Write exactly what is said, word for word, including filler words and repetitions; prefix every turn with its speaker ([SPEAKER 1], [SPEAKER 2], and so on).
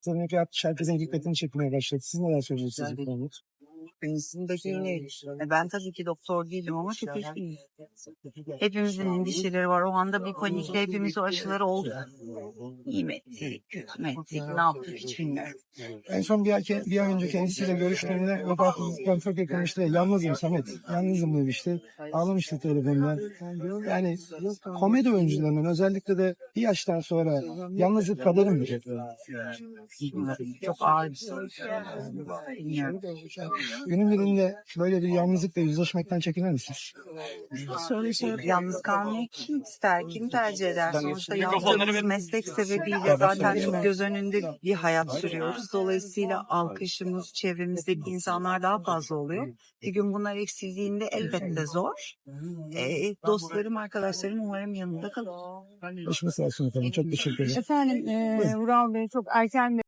[SPEAKER 1] Sanırım ki artık herkesin dikkatini çekmeye başladı. Siz neler söyleyeceksiniz bu konuda?
[SPEAKER 2] Benimsindeki yine, e, ben tabii ki doktor değilim ama çok üzgünüm. Hepimizin endişeleri var. O anda bir panikle hepimiz o aşıları olduk. İyi mi ettik, kötü mü ettik, ne yaptık hiç bilmiyorum.
[SPEAKER 1] En son bir ay, bir ay önce kendisiyle görüştüğümde vefatından çok yakınmıştı. Yalnızım Samet. Yalnızım demişti. Ağlamıştı telefondan. Yani komedi oyuncularının özellikle de bir yaştan sonra yalnızlık kaderim mi?
[SPEAKER 2] Bilmiyorum. Çok ağır bir soru. Bilmiyorum.
[SPEAKER 1] Günün birinde böyle bir yalnızlıkla yüzleşmekten çekinir misiniz?
[SPEAKER 2] Şöyle şey, yalnız kalmayı kim ister, kim tercih eder? Sonuçta yaptığımız meslek sebebiyle zaten çok göz önünde bir hayat sürüyoruz. Dolayısıyla alkışımız, çevremizdeki insanlar daha fazla oluyor. Bir gün bunlar eksildiğinde elbette zor. E, dostlarım, arkadaşlarım umarım yanında kalır.
[SPEAKER 1] Başımız sağ olsun efendim. Çok teşekkür ederim.
[SPEAKER 3] Efendim, e, Vural Bey çok erken